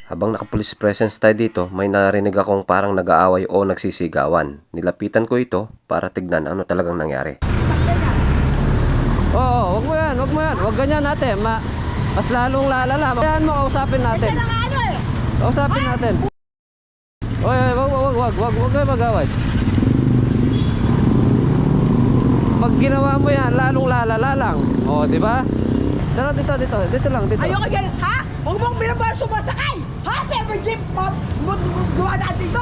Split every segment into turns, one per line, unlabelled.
Habang naka-police presence tayo dito, may narinig akong parang nag-aaway o nagsisigawan. Nilapitan ko ito para tignan ano talagang nangyari. Oo, wag mo yan, wag mo yan. Wag ganyan natin. Mas lalong lalala. Kayaan mo, kausapin natin. Kausapin natin. Oy, wag kayo mag-away. Pag ginawa mo yan, lalong lalala lang. O, di ba? Tara, dito lang.
Ayoko ganyan, ha? Huwag mong binabar sumasakay! Ha? Seven jeep, dumadaan dito!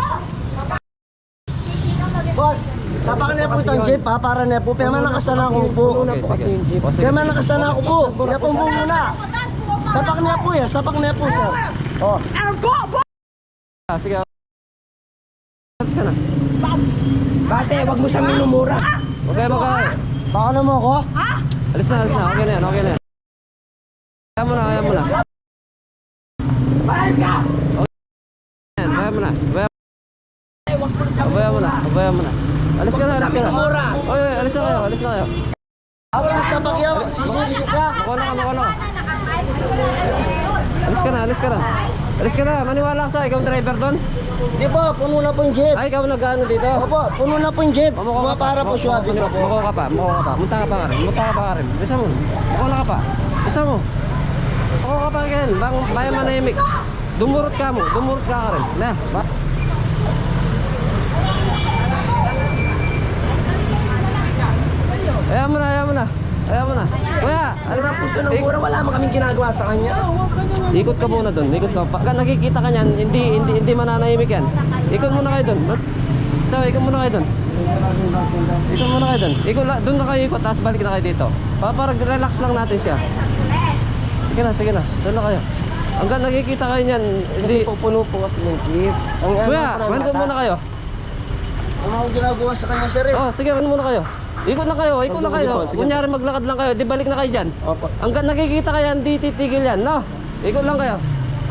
Boss, sapak na po itong jeep ha, para na po. Pero man nakasana ako po. Kaya man nakasana ako po. Kaya po muna. Sapak na po ya, sapak na po sir. Oh.
Go!
Sige. Alis ka na.
Bate, wag mo siyang minumura.
Huwag kayo mag-away.
Baka na mo ako?
Ha?
Alis na. Okay na yan. Kaya mo na.
Bayad ka!
Abaya mo na. Alis ka na. Oy, alis na kayo.
Ako yung sapak yaw, sisig ka.
Makuha na. Alis ka na. Maniwala ka sa ikaw driver doon.
Di po, puno na po yung jeep.
Ay, ikaw nag-ano dito.
Opo, puno na po yung jeep. Mga para po swabe na po.
Muko ka pa. Munta ka pa rin. Bisa mo. Muko na ka pa. Bisa mo. Muko ka pa rin. Bayan manahimik. Dumurot ka rin. Na, ba? Ayaw mo na. Kuya,
Mura puso ng mura, wala man kaming ginagawa sa kanya.
ikot ka muna doon. Pagka nakikita ka niyan, hindi mananahimik yan. Ikot muna kayo doon. Ikot muna kayo doon. Doon na kayo ikot, tapos balik na kayo dito. Para relax lang natin siya. Sige na. Doon na kayo. Hanggang nakikita kayo niyan, hindi...
Kasi pupuno po kasi yung jeep.
Kuya, ikot muna kayo.
Ang mga ginagawa sa kanya sir eh.
Sige, muna kayo. Ikot na kayo. Kunyari maglakad lang kayo, di balik na kayo dyan.
Opo.
Hanggang nakikita kayo, hindi titigil yan, no? Ikot lang kayo.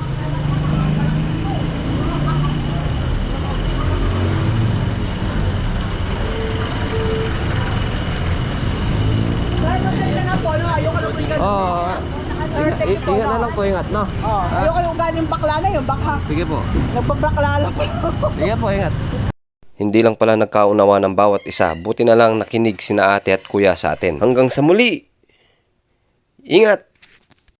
Dahil maganda na po, no? Ayoko lang yung
Ingat na lang po, no?
Ayoko yung galing bakla na yun, baka
Sige po.
nagpabakla lang po.
Sige po, ingat. Hindi lang pala nagkaunawa ng bawat isa, buti na lang nakinig sina ate at kuya sa atin. Hanggang sa muli! Ingat!